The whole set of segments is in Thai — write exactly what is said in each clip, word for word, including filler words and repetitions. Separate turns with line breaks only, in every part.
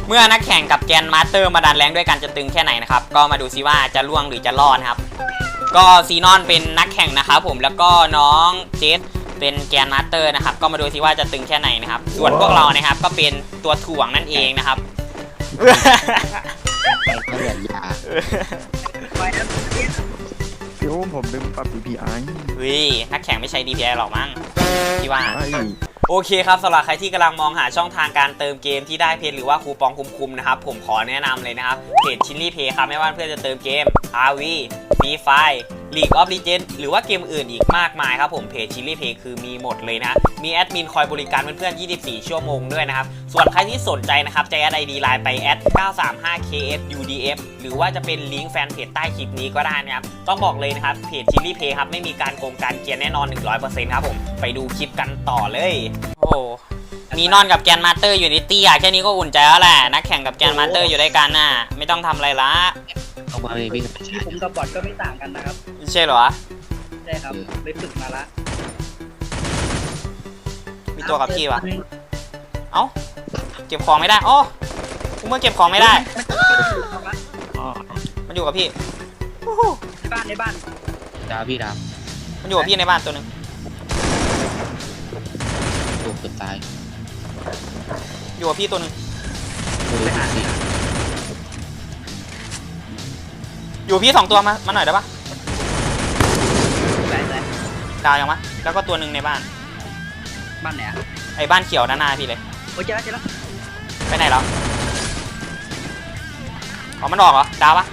เมื่อนักแข่งกับแกนมาสเตอร์มาดันแรงด้วยกันจะตึงแค่ไหนนะครับก็มาดูซิว่าจะล่วงหรือจะรอดครับก็ซีนอนเป็นนักแข่งนะครับผมแล้วก็น้องเจสเป็นแกนมาสเตอร์นะครับก็มาดูซิว่าจะตึงแค่ไหนนะครับส่วนพวกเรานะครับก็เป็นตัวถ่วงนั่นเองนะครับ
เขาเหรียญยา
โยมผมดึงปรับ ดี พี ไอ
วินักแข่งไม่ใช้ ดี พี ไอ หรอกมั้งพี่ว่าโอเคครับสำหรับใครที่กำลังมองหาช่องทางการเติมเกมที่ได้เพจหรือว่าคูปองคุ้มๆนะครับผมขอแนะนำเลยนะครับเพจชิลลี่เพย์ครับไม่ว่าเพื่อนจะเติมเกม อาร์ วี Free Fire League of Legends หรือว่าเกมอื่นอีกมากมายครับผมเพจชิลลี่เพย์คือมีหมดเลยนะมีแอดมินคอยบริการเพื่อนๆยี่สิบสี่ชั่วโมงด้วยนะครับส่วนใครที่สนใจนะครับจะแอด ไอ ดี ไลน์ไปแอด เก้าสามห้า เค เอส ยู ดี เอฟ หรือว่าจะเป็นลิงก์แฟนเพจใต้คลิปนี้ก็ได้นะครับต้องบอกเลยนะครับเพจชิลลี่เพย์ครับไม่มีการโกงการเกียร์แน่นอน หนึ่งร้อยเปอร์เซ็นต์ ครับผมไปดูคลิปกันต่อเลยโอ้มีนอนกับแกนมาสเตอร์อยู่ในตี้อะแค่นี้ก็อุ่นใจแล้วแหละนักแข่งกับแกนมาสเตอร์อยู่ด้วยกันน่ะไม่ต้องทำอะไรละ
ออกมาเลยวิ่ง
ที่ผมกับบอทก็ไม่ต่างกันนะครับ
ใช่เหรอ
ใช่ครับไปฝึกมาละ
มีตัวกับพี่วะเอ้าเก็บของไม่ได้อ๋อกูเมื่อเก็บของไม่ได้มันอยู่กับพี่
ในบ้านในบ้าน
ดาวพี่ดาว
มันอยู่กับพี่ในบ้านตัวนึง
ตัวเกือบตาย
อยู่กับพี่ตัวนึงอยู่พี่สองตัวมามาหน่อยได้ปะดาวยังมะแล้วก็ตัวหนึ่งในบ้าน
บ้านไหนอะ
ไอ้บ้านเขียวด้านหน้าพี่เลย
โอ้เจอแล้วเจอแล้ว
ไปไหนแล้วอ๋อมันออกเหรอดาวปะ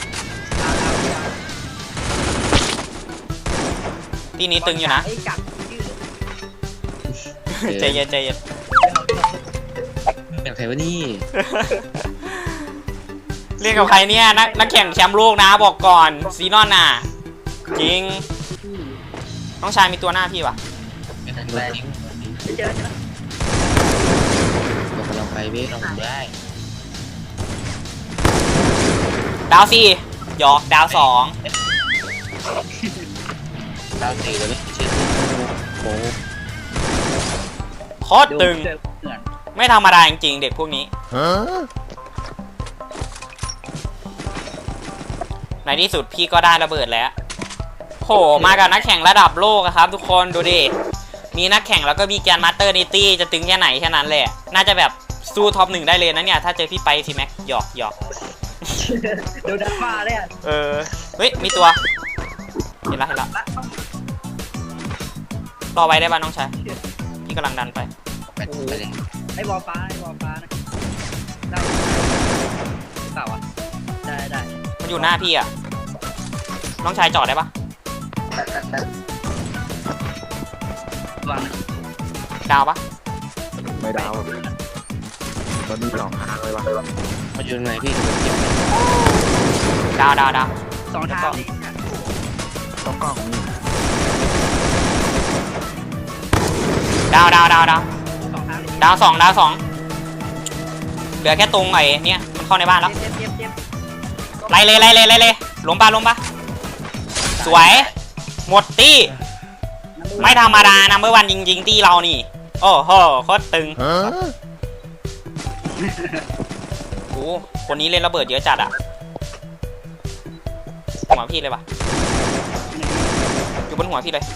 ที่นี้ตึงอยู่นะใจเย็นใจเย็น
เป็นใครวะนี่
เรียกกับใครเนี่ยนักนักแข่งแชมป์โลกนะบอกก่อนซีนอนน่ะจริงน้องชายมีตัวหน้าพี่วะ
ไม่ทันได้
เจอแล้วเจอแล้ว
ตกกำลังไปเว้ยลองได้
ดาวสี่หยอกดาวสอง
ดาวสี่เลยไม่เชื่อโอ้
โคตรตึงไม่ธรรมดาจริงๆเด็กพวกนี้ในที่สุดพี่ก็ได้ระเบิดแล้วโหมากับนักแข่งระดับโลกครับทุกคนดูดิมีนักแข่งแล้วก็มีแกนมาสเตอร์นิตี้จะตึงแค่ไหนแค่นั้นแหละน่าจะแบบสู้ท็อปหนึ่งได้เลยนะเนี่ยถ้าเจอพี่ไปทีแม็กหยอกหยอก
เดี๋ยวดันมาเลยอ่ะ
เออเฮ้ยมีตัวเห็นละเห็นละรอไว้ได้ป่ะน้องชายพี่กำลังดันไป
ไอ้บอลฟ้าไอ้บอลฟ้านะได้เปล่าอ่ะได้ได้
มันอยู่หน้าพี่อ่ะน้องชายจอดได้ปะ
วาง
ดาวปะ
ไม่ดาวตอนนี้สองทางเลยวะ
มาอยู่ไหนพี่
ดาวดาวดาว
สองทาง
ต้องกล้อง
ดาวดาวดาวดาวดาวสองดาวสองเหลือแค่ตรงไอ้เนี่ยมันเข้าในบ้านแล้วไล่เลยไล่เลยไล่เลยล้มปะล้มปะสวยหมดตี้ไม่ธรรมดานะเมื่อวันจริงๆตี้เรานี่โอ้โหโคตรตึงโอ้คนนี้เล่นระเบิดเยอะจัดอะหัวพี่เลยปะอยู่บนหัวพี่เลย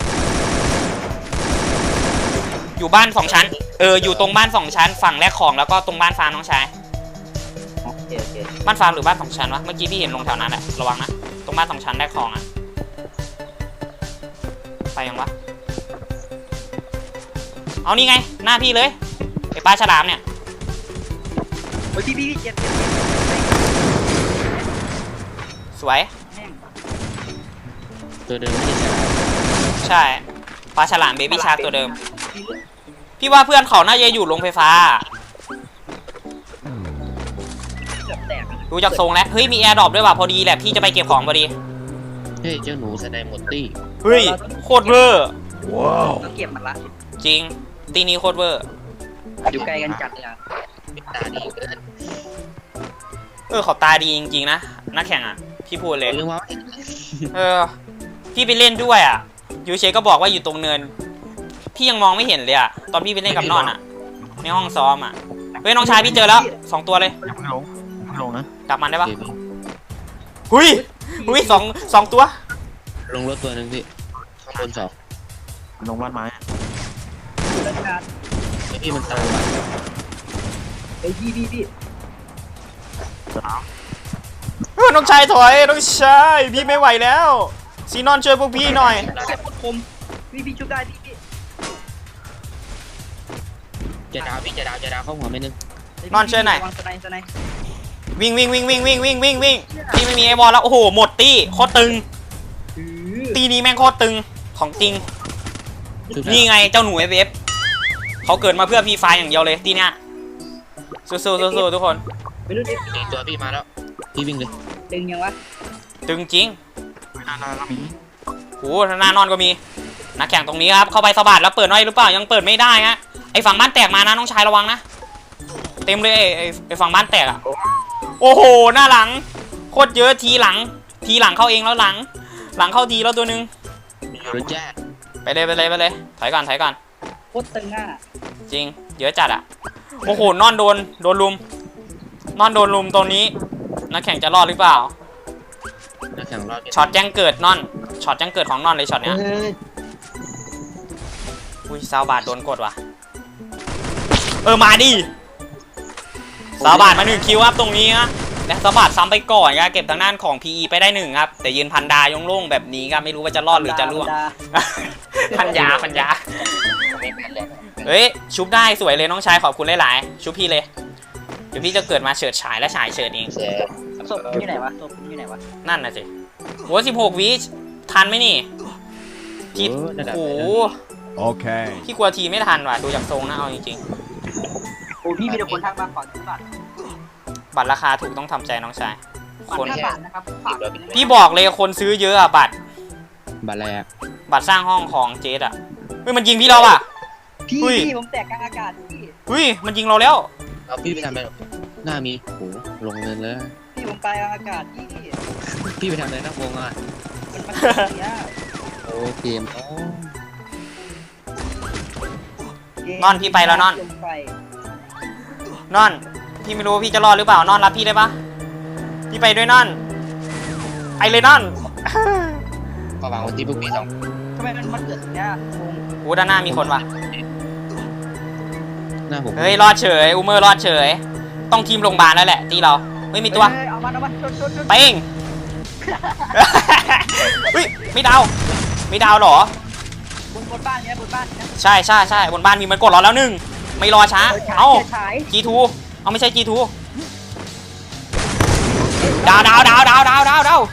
อยู่บ้านสองชั้นเอออยู่ตรงบ้านสองชั้นฝั่งแรกของแล้วก็ตรงบ้านฟาร์มน้องชายบ้านฟาร์มหรือบ้านสองชั้นวะเมื่อกี้พี่เห็นลงแถวนั้นแหละระวังนะตรงบ้านสองชั้นแรกของอะไปยังวะเอานี่ไงหน้าพี่เลยไอ้ปลาฉลามเนี่ย
โอ้ยพี่พี่เจ็บ
สวย
ตัวเดิมไม่ใช่
ใช่ปลาฉลามเบบี้ชาร์กตัวเดิมพี่ว่าเพื่อนเขาน่าจะอยู่โรงไฟฟ้าดูจากทรงแล้วเฮ้ยมีแอร์ดรอปด้วยว่ะพอดีแหละพี่จะไปเก็บของพอดี
เฮ้ยเจ้าหนูแสดงหมดตี้
เฮ้ยโคตรเวอร์
ว้าวเก็บมันละ
จริงตีนี้โคตรเวอร์
อยู่ใกล้กันจัดเลยอ่ะ
ตาดีเกิน
เออเขาตาดีจริงๆนะนักแข่งอ่ะพี่พูดเลยเออพี่ไปเล่นด้วยอ่ะยูเชก็บอกว่าอยู่ตรงเนินพี่ยังมองไม่เห็นเลยอ่ะตอนพี่ไปเล่นกับนอนอ่ะในห้องซ้อมอ่ะเฮ้ยน้องชายพี่เจอแล้วสองตัวเลย
อย่าเพิ่งลงอย่าเพิ่งลงนะ
ดับมันได้
โอ
ปะ
เคพี่
หุยหุยสองสองตัว
ลงรถตัวหนึ่งพี่ข้างบนสอง
ลงบ้านไม้
เล่นการ
ไอ้พี่มันตามมา
ไอ้พี่พี่พี่
เออน้องชายถอยน้องชายพี่ไม่ไหวแล้วซีนอนช่วยพวกพี่หน่อย
แค่พูดคมพี่พี่ชุบได้พี่พี่
จะดาวพี่จะดาวจะดาวเข้าหัวไม่นึง
นอนช่วยหน่อย
วางสไนสไน
วิ่งวิ่งวิ่งวิ่งวิ่งวิ่งวิ่งวิ่งพี่ไม่มีไอ้บอลแล้วโอ้โหหมดตี้โคตรตึง
อือ
ตีนี้แม่งโคตรตึงของจริง
ชุด
นี่ไงเจ้าหนูเอฟเอฟเขาเกิดมาเพื่อพีไฟอย่างเดียวเลยตีเนี้ยสู้ๆสู้ๆทุกคน
ไม่รู้ดิ
สี่ตัวพี่มาแล้วพี่วิ่งเลย
ดึงยังวะ
ตึงจริง
หน้าหน้าก็มี
โอ้โหหน้านอนก็มีนักแข่งตรงนี้ครับเข้าไปสะบัดแล้วเปิดน้อยหรือเปล่ายังเปิดไม่ได้ฮะไอฝั่งบ้านแตกมานะน้องชายระวังนะเต็มเลยไอไอ้ไอฝั่งบ้านแตกอะโอ้โหหน้าหลังโคตรเยอะทีหลังทีหลังเข้าเองแล้วหลัง หลังเข้าทีแล้วตัวนึง
อยู่รถแจ๊
ไปเลยไปเลยไปเลยถอยก่อนถอยก่อน
โคตรตึงอ่ะ
จริงเยอะจัดอะโอ้โหนอนโดนโดนลุมนอนโดนลุมตรงนี้นักแข่งจะรอดหรือเปล่า
นักแข่งรอด
ช็อตแจ้งเกิดนอนช็อตแจ้งเกิดของนอนเลยช็อตเนี้ยอุ้ยซาวบาทโดนกดว่ะเออมาดิซาวบาทมาหนึ่งคิวครับตรงนี้นะและซาวบาทซ้ำไปก่อนครับเก็บทางด้านของ พี อี ไปได้หนึ่งครับแต่ยืนพันดายงโล่งแบบนี้ครับไม่รู้ว่าจะรอดหรือจะร่วง พันยาพันยา
ไม่แม่นเลย
เฮ้ยชุบได้สวยเลยน้องชายขอบคุณหลายๆชุบพี่เลยเดี๋ยวพี่จะเกิดมาเฉิดฉายและฉายเฉิดเอง
แซ่
ศพอยู่ไหนวะศพอยู่ไหนวะ
นั่นน่ะสิโหสิบหกวิทันไหมนี่พี่
เออนั่นแหละ
โอ้โห
Okay.
พี่กลัวทีไม่ทันว่ะดูจากทรงนะเอาจริง
โอ้พี่มีแต่คนทักมาขอซื้อบัตร
ๆบัตรราคาถูกต้องทำใจน้องชาย
บัต
ค
ร
น
ห้าบาทนะครับฝาก
พี่บอกเลยคนซื้อเยอะอะบัตร
บาแลก
บัตรสร้างห้องของเจดอะเฮ้ยมันยิงพี่เราอะ
พี่
อุ้ย
พี่ผมแตกกลางอากาศพี่
เฮ้ยมันยิงเราแล้ว
เอาพี่ไปทำอะไรหน้ามีโหลงเงินเลย
พี่ผมไปกลางอากาศพี่
พี่ไปทำอะไรนักวงอ่ะ
มันมันเสีย
โอ้เกมอ๋อน
อนพี่ไปแล้วนอน
ลงไป
นอนพี่ไม่รู้ว่าพี่จะรอดหรือเปล่านอนรับพี่ได้ปะพี่ไปด้วยนอนไปเลยนอน
ก็วางวันที่พวกพี่สอง
ทำไมมันมันเกิดอย่างเนี้ยงง
โอ้ด้านหน้ามีคนว่ะ
หน้าผม
เฮ้ยรอดเฉยอูเมอร์รอดเฉยต้องทีมโรงพยาบาลแล้วแหละตีเราไม่มีตัว
เฮ้ยเอามันเอามันชนชนชน
ไปเอง เฮ้ยไม่ดาวไม่ดาวเหรอบ
นบนบ้านเนี้ยบนบ้านเนี้ย
ใช่ใช่ใช่บนบ้านมีมันกดเราแล้วหนึ่งไม่รอช้าเอ้า
ฉาย
จีทูเอาไม่ใช่จีทูดาวดาวดาวดาวดาวดาวดาว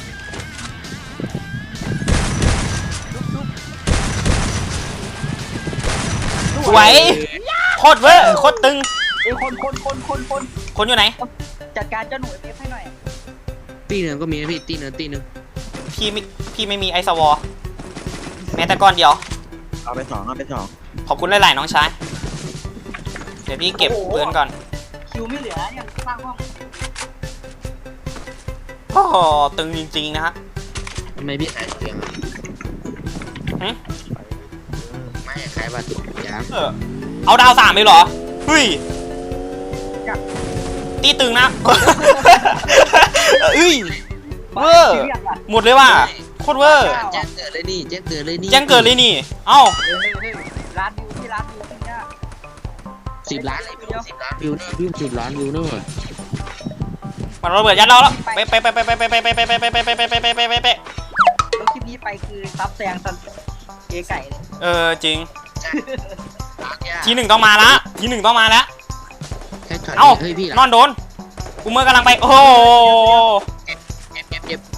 สวยโคตรเวอร์โคตรตึง
เอ้ยคนคนคนคนคน
คนอยู่ไหน
จัดการเจ้าหนูเอฟให้หน่อย
ตีหนึ่งก็มีนะพี่ตีหนึ่งตีหนึ่ง
พี่ไม่พี่ไม่มีไอซ์วอลแม้แต่ก้อนเดียว
เอาไปสองเอาไปสอง
ขอบคุณหลาย ๆ น้องชาย เดี๋ยวพี่เก็บปืนก่อน
คิวไม่เหลือเนี่ยสร้างห้อง
โอ้โหตึงจริง ๆ นะฮะ
ทำไมพี่ขายเสียง
หึ
ไม่ขายบัตรยาง
เออเอาดาวสามไปเหรอเฮ้ยตีตึงนะ เอ้ย เวอร์
คิวยังอ่ะ
หมดเลยว่ะโคตรเวอร์
แจ้งเกิดเลยนี่แจ้งเกิดเลยนี่
แจ้งเกิดเลยนี่ เอ้า
เฮ้ยเฮ้ยเฮ้ยร้านวิวที่ร้านวิวเนี่ย
สิบล้านเลยพี่สิบล้านวิวนี่พี่สิบล้านวิวนู่น
มันระเบิดยัดเราแล้วไปไปไปไปไปไปไปไปไปไปไปไปไปไปไปไปไปไป
แล้วคลิปนี้ไปคือซับแซงซันเก๋ไก่เลย
เออจริง
ล้านเนี่ย
ทีหนึ่งต้องมาละทีหนึ่งต้องมาแล้ว
แค่ช็อต
เอ้า
เฮ้ยพี่
นอนโดนกูเมื่อกำลังไปโอ้โห
เจ็บเจ็บเจ็บ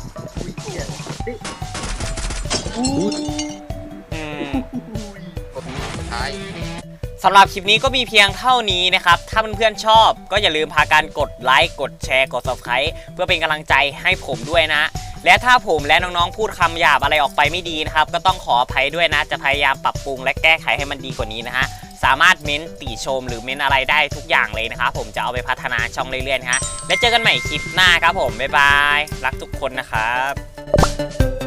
อู้
อืม
สุดท้าย
สำหรับคลิปนี้ก็มีเพียงเท่านี้นะครับ ถ้าเพื่อนๆชอบก็อย่าลืมพาการกดไลค์กดแชร์กด ซับสไครบ์ เพื่อเป็นกำลังใจให้ผมด้วยนะ และถ้าผมและน้องๆพูดคำหยาบอะไรออกไปไม่ดีนะครับก็ต้องขออภัยด้วยนะจะพยายามปรับปรุงและแก้ไขให้มันดีกว่านี้นะฮะสามารถเม้นติชมหรือเม้นอะไรได้ทุกอย่างเลยนะครับผมจะเอาไปพัฒนาช่องเรื่อยๆนะฮะและเจอกันใหม่คลิปหน้าครับผมบ๊ายบายรักทุกคนนะครับ